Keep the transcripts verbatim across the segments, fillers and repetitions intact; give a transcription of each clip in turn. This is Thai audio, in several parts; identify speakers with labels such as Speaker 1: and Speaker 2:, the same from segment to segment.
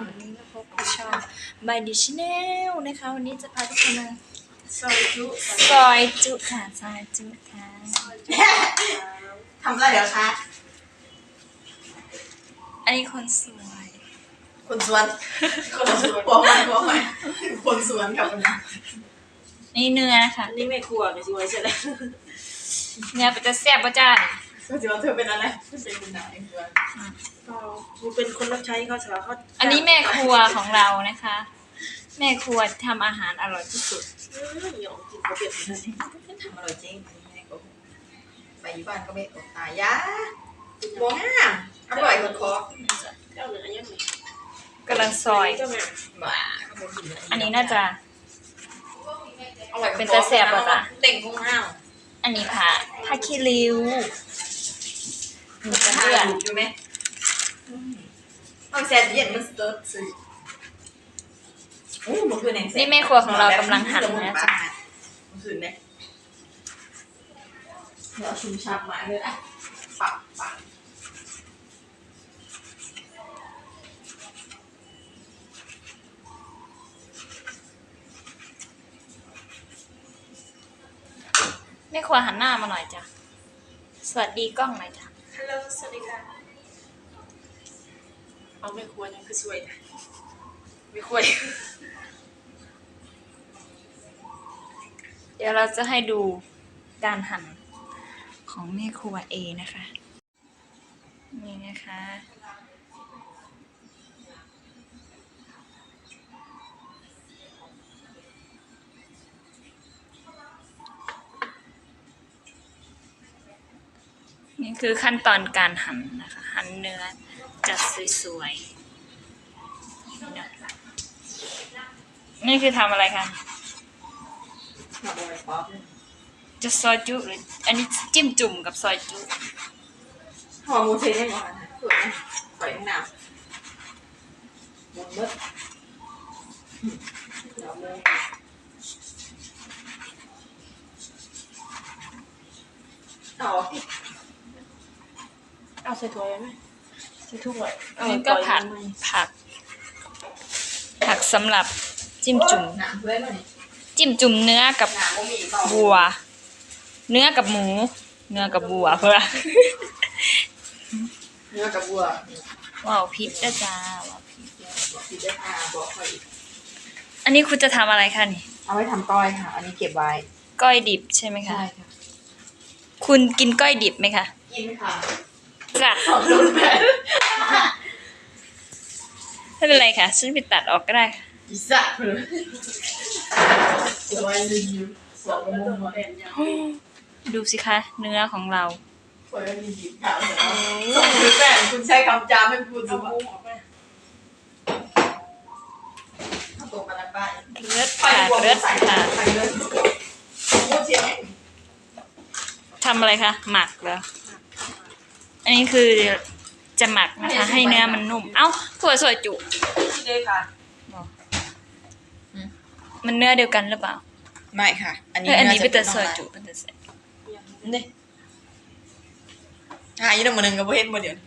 Speaker 1: วันนี้มาพบกับช่อง by the channel นะคะวันนี้จะพาทุกคนมาซอยจุซอยจุค่ะซอยจุค่ะ
Speaker 2: ทำอะไรเหรอคะ
Speaker 1: อันนี้คนสวย
Speaker 2: คนสวนคนสวนบอกมาบอกมาคนสวนกับคนนั้น
Speaker 1: นี่เนื้อค่ะ
Speaker 2: นี่ไม่ครัวไม่ช่วยใช่ไหม
Speaker 1: เนื้อเป็นจะแซ่บป่ะจ้า
Speaker 2: ก็จะว่าเธอเป็นอะไรเป็นคุณนายเพื่อนกูเป็นคนรับใช้เขาเฉยเขา
Speaker 1: อันนี้แม่ครัวของเรานะคะ แม่ครัวทำอาหารอร่อยที่สุด
Speaker 2: ยองกินเขาเปลี่ยนทำอร่อยจริงแม่ก็ไปอยู่บ้านก็ไม่อดตายยะมองอ่ะอร่อยกว่าคอเจ้าเนื้อยังไง
Speaker 1: กำลังซอยอันนี้น่าจะเป็นตะแสบป่ะจ๊ะ
Speaker 2: เต่งของเรา
Speaker 1: อันนี้ค่ะผ้าคีริ้ว
Speaker 2: มีกระเดื่องอยู่ไหมมันแสบเย็นมันสเติร์ดสิ
Speaker 1: นี่แม่ครัวของเรากำลังหั่นนะจ๊ะ
Speaker 2: มันคือเนี่ยเราชุ่มชับมาเลยอ่ะปักปัก
Speaker 1: แม่ครัวหันหน้ามาหน่อยจ้ะสวัสดีกล้องหน่อยจ้ะ
Speaker 2: ฮัลโหลสวัสดีค่ะเอาแม่ครัวยังคือสวยนะไม่ครัว
Speaker 1: เดี๋ยวเราจะให้ดูการหั่นของแม่ครัวเอนะคะนี่นะคะนี่คือขั้นตอนการหั่นนะคะหั่นเนื้อจัดสวยๆนี่คือทำอะไรคะจะซอยจุหรืออันนี้จิ้มจุ่มกับซอยจุ
Speaker 2: หอมมูเทนได้หมดนะสวยนะสวยงามหมดมืดเอาเอาใส่ถ้วยไหมใส่ถ้วย
Speaker 1: นี่ก็ผักผักผักสำหรับจิ้มจุ่มจิ้มจุ่มเนื้อกับบัวเนื้อกับหมูเนื้อกับบัวเพื่อ
Speaker 2: เนื้อกับบัว
Speaker 1: ว้าวพิษนะจ้าว้าวพิษ
Speaker 2: พิษได้ค่ะบอกค่อย
Speaker 1: อันนี้คุณจะทำอะไรคะนี่
Speaker 2: เอาไว้ทำก้อยค่ะอันนี้เก็บไว้
Speaker 1: ก้อยดิบใช่ไหมคะ
Speaker 2: ใช่ค่ะ
Speaker 1: คุณกินก้อยดิบไหมคะ
Speaker 2: กินค่ะ
Speaker 1: จ้ะไม่เป็นไรค่ะฉันไปตัดออกก็ได้
Speaker 2: อิสระเลย
Speaker 1: ดูสิคะเนื้อของเรา
Speaker 2: ส่งหรือแฟนคุณใช้คำจามไม่พูดดูว่า
Speaker 1: เลือดค่ะเลือดค่ะทำอะไรคะหมักเหรออันนี้คือจะหมักนะคะให้เนื้อมันนุ่มเอ้าถั่วสวยจุ
Speaker 2: เลยค่ะ
Speaker 1: มันเนื้อเดียวกันหรือเปล่า
Speaker 2: ไม่ค่ะอันนี้
Speaker 1: อันนี้เป็นแต่สวยจุเป็นแต่สวย
Speaker 2: นี่หายยี่ห้อหนึ่งกับเพื่อนมาเดี๋ยว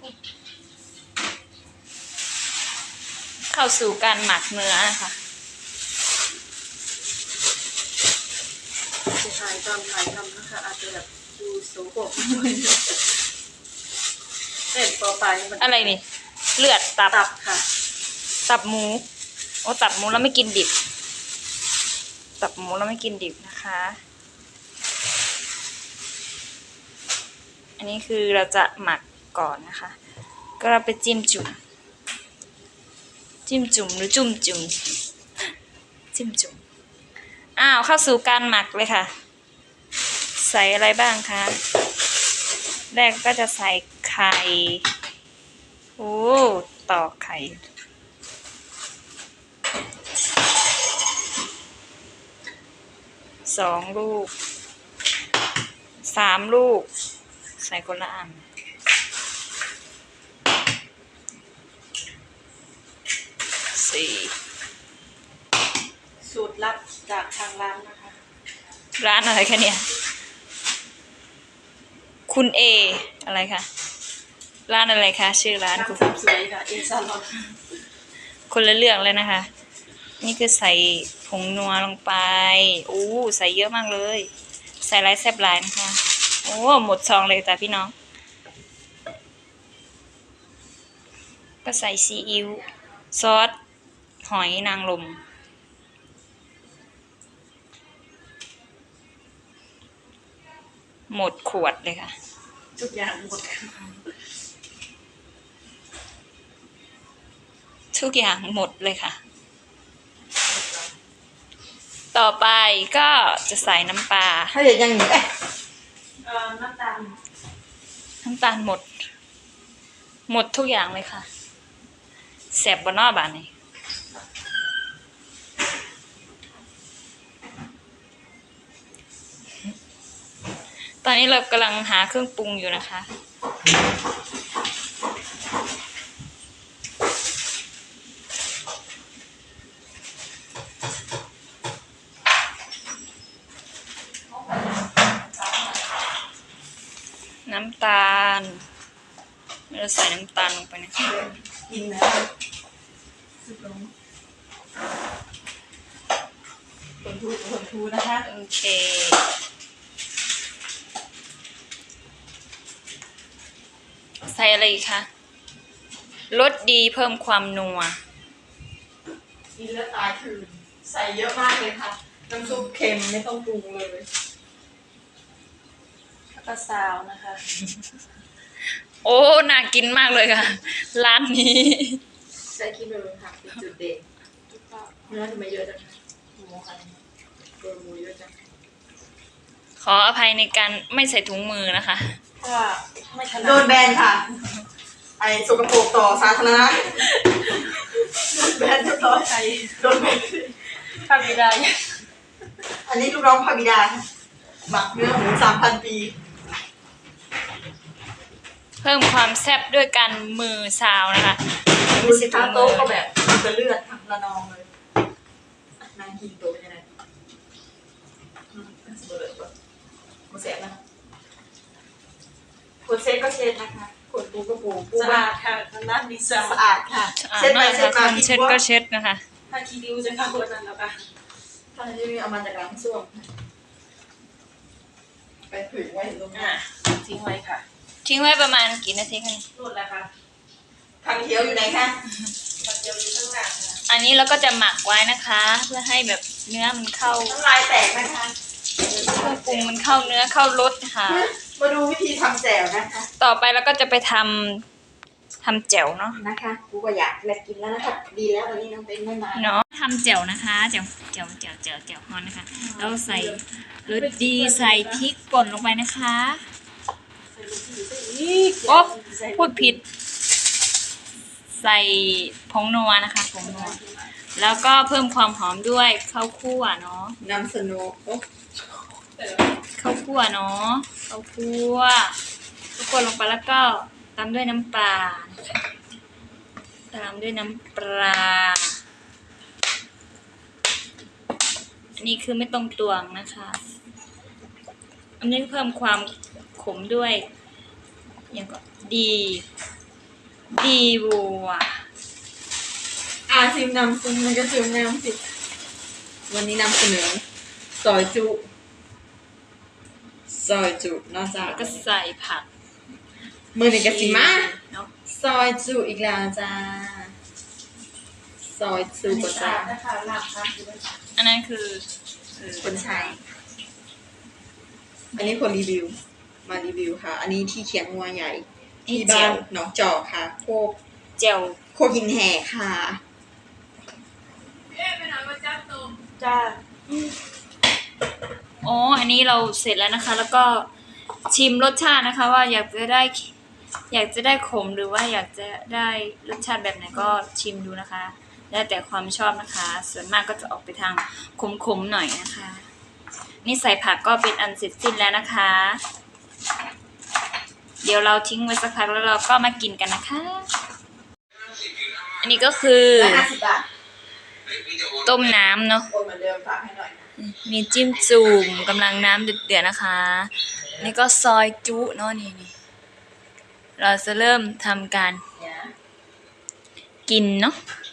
Speaker 1: เข้าสู่การหมักเนื้อค่ะ
Speaker 2: จะถ่ายตอนถ่ายทำนะคะอาจจะแบบดูโสโครกเส้นต่อไป
Speaker 1: อะไรนี่เลือดตับ
Speaker 2: ตับค่ะ
Speaker 1: ตับหมูโอ้ตับหมูแล้วไม่กินดิบตับหมูแล้วไม่กินดิบนะคะอันนี้คือเราจะหมักก่อนนะคะก็เราไปจิ้มจุ่มจิ้มจุ่มหรือจุ่มจุ่มจิ้มจุ่มอ้าวเข้าสู่การหมักเลยค่ะใส่อะไรบ้างคะแรกก็จะใส่ไข่โอ้ตอกไข่สองลูกสามลูกใส่คนละอันสี่
Speaker 2: สูตรลับจากทางร้านนะคะ
Speaker 1: ร้านอะไรคะเนี่ยคุณเออะไรคะร้านอะไรคะชื่อร้านคุณ
Speaker 2: สวยค่ะเอซาลอน
Speaker 1: คนละเรื่องเลยนะคะ นี่คือใส่ผงนัวลงไปอู้ใส่เยอะมากเลย ใส่หลายแซ่บหลายนะคะโอ้หมดซองเลยจ้ะพี่น้องก็ใส่ซีอิ๊วซอสหอยนางรมหมดขวดเลยค่ะ
Speaker 2: ทุกอย่างหมด
Speaker 1: ทุกอย่างหมดเลยค่ะ ต่อไปก็จะใส่น้ำปลา
Speaker 2: ถ้าเด็ดยังเอ๊ะเอ่อน้ำตาล
Speaker 1: น้ำตาลหมด หมดทุกอย่างเลยค่ะแสบบนนอกบานนี้ตอนนี้เรากำลังหาเครื่องปรุงอยู่นะคะน้ำตาลเราใส่น้ำตาลลงไปนะคะ
Speaker 2: กินนะสุดลงคนทูคนทูนะคะ
Speaker 1: โอเคใส่อะไรอีกคะรสดีเพิ่มความนัว
Speaker 2: กินแล้วตายคืนใส่เยอะมากเลยค่ะน้ำซุปเค็มไม่ต้องปรุงเลยแล้วก็ซาวนะคะ
Speaker 1: โอ้น่ากินมากเลยค่ะ ร้านนี้
Speaker 2: ใส่ขี้เมาค่ะเป็นจุดเด่นเนื้อทำไมเยอะจังหมูค่ะตัวหมูเยอะจัง
Speaker 1: ขออภัยในการไม่ใส่ถุงมือนะคะ
Speaker 2: ว่าไม่โดนแบนค่ะ ไอ้สกปรกต่อสาธารณะโดนแบนเรียบร้อยไอ้โดนแบนพาบิดาอันนี้ลูกน้องพาบิดาหมักเนื้อหมูสามพันปี
Speaker 1: เพิ่มความแซ่บด้วยการมือซาวนะคะ
Speaker 2: ดูสิคะโต๊ะก็แบบจะเลือดทั้งระนองเลยนางกินโต๊ะยังไงอืมสมบูรณ์ก่อนกูเสร็จนะคนเซ็ตก็เช็ดนะคะคนปูก็ปูปู
Speaker 3: สะอาดค่ะทางด้านดีไซน์
Speaker 2: สะอาดค่ะ
Speaker 1: อ่า
Speaker 2: เช็ดไป
Speaker 1: นั่นแหละ
Speaker 2: เช็ด
Speaker 1: ค่ะ
Speaker 2: มา
Speaker 1: คนเช็ดก็เช็ดนะคะ
Speaker 3: ถ้าคีดิวจะเข้าวันนั้นแล้วค่ะ
Speaker 2: ท่านที่เอามาจากร้านส้วมไปผึ่งไว้ตรงหน้า
Speaker 3: อ่ะทิ้งไว้ค่ะ
Speaker 1: ทิ้งไว้ประมาณกี่นาทีคะ
Speaker 3: นู่นแหละค่ะ
Speaker 2: ทางเขียวอยู่ไหนคะ
Speaker 3: ผัดเจียวอยู่ข้างหลังค่ะ
Speaker 1: อันนี้เราก็จะหมักไว้นะคะ เพื่อให้แบบเนื้อมันเข้า
Speaker 2: น้ำลายแตกนะคะ
Speaker 1: เครื่องปรุงมันเข้าเนื้อเข้ารสค่ะ
Speaker 2: มาดูวิธีทำแจ่วนะคะ
Speaker 1: ต่อไปเราก็จะไปทำทำแจ่วเนาะ
Speaker 2: นะคะกูก็อยากแลกกินแล้วนะคะดีแล้วตอนนี้น้องเต้นไม่มา
Speaker 1: เนาะทำแจ่วนะคะแจ่วแจ่วแจ่วแจ่วแจ่วฮอนนะคะแล้วใส่รสดีใส่พริกป่นลงไปนะคะ
Speaker 3: ใส่ลูกชิ้นใส่อีก
Speaker 1: โอ๊ะ
Speaker 3: ใส่
Speaker 1: พูดผิด ใส่ผงนัวนะคะผงนัวแล้วก็เพิ่มความหอมด้วยข้าวคั่วเนาะ
Speaker 2: นำสนุกโอ้
Speaker 1: ข้าวคั่วเนาะข้าวคั่วข้าวคั่วลงไปแล้วก็ตามด้วยน้ำปลานะคะตามด้วยน้ำปลาอันนี้คือไม่ต้องตวงนะคะ อันนี้เพิ่มความขมด้วยอย่างก็ดีดีบัว
Speaker 2: อาชิมนำซุมมันก็ชิมนำสิวันนี้นำเสนอซอยจุซอยจุนอกจาก
Speaker 1: แล้วก็ใส่ผัก
Speaker 2: มือหนึ่งกะสิมา
Speaker 1: เนาะ
Speaker 2: ซอยจุอีกแล้วจ้าซอยจุ
Speaker 3: อันนี้
Speaker 2: ก็
Speaker 3: สะ
Speaker 2: จ้า
Speaker 3: อาดนะคะลาบค่ะอยู่ด้วยค่ะ
Speaker 1: อันนั้นคือเออ
Speaker 2: คนใช้อันนี้คนรีวิว มารีวิวค่ะ อันนี้ที่เขียงงัวใหญ่
Speaker 1: นี่
Speaker 2: ที่
Speaker 1: เจี
Speaker 2: บ้า
Speaker 1: ยว
Speaker 2: นหนองจอกค่ะ โคก
Speaker 1: เจียว
Speaker 2: โคกินแห่ค่ะ
Speaker 3: จ้า
Speaker 1: อ๋ออันนี้เราเสร็จแล้วนะคะ แล้วก็ชิมรสชาตินะคะ ว่าอยากจะได้ อยากจะได้ขมหรือว่าอยากจะได้รสชาติแบบไหนก็ชิมดูนะคะ แล้วแต่ความชอบนะคะ ส่วนมากก็จะออกไปทางขมๆหน่อยนะคะ นี่ใส่ผักก็เป็นอันเสร็จสิ้นแล้วนะคะ เดี๋ยวเราทิ้งไว้สักพักแล้วเราก็มากินกันนะคะ อันนี้ก็คือ
Speaker 2: ร้อยห้าสิบบาท
Speaker 1: ต้มน้ำเนาะ
Speaker 2: โอนเหมือนเดิมฝากให้หน่อยนะ
Speaker 1: มีจิ้มจุ่มกำลังน้ำเดือดๆนะคะ นี่ก็ซอยจุเนาะนี่นี่เราจะเริ่มทำการ
Speaker 2: เนี่ย
Speaker 1: กินเนาะ
Speaker 2: อ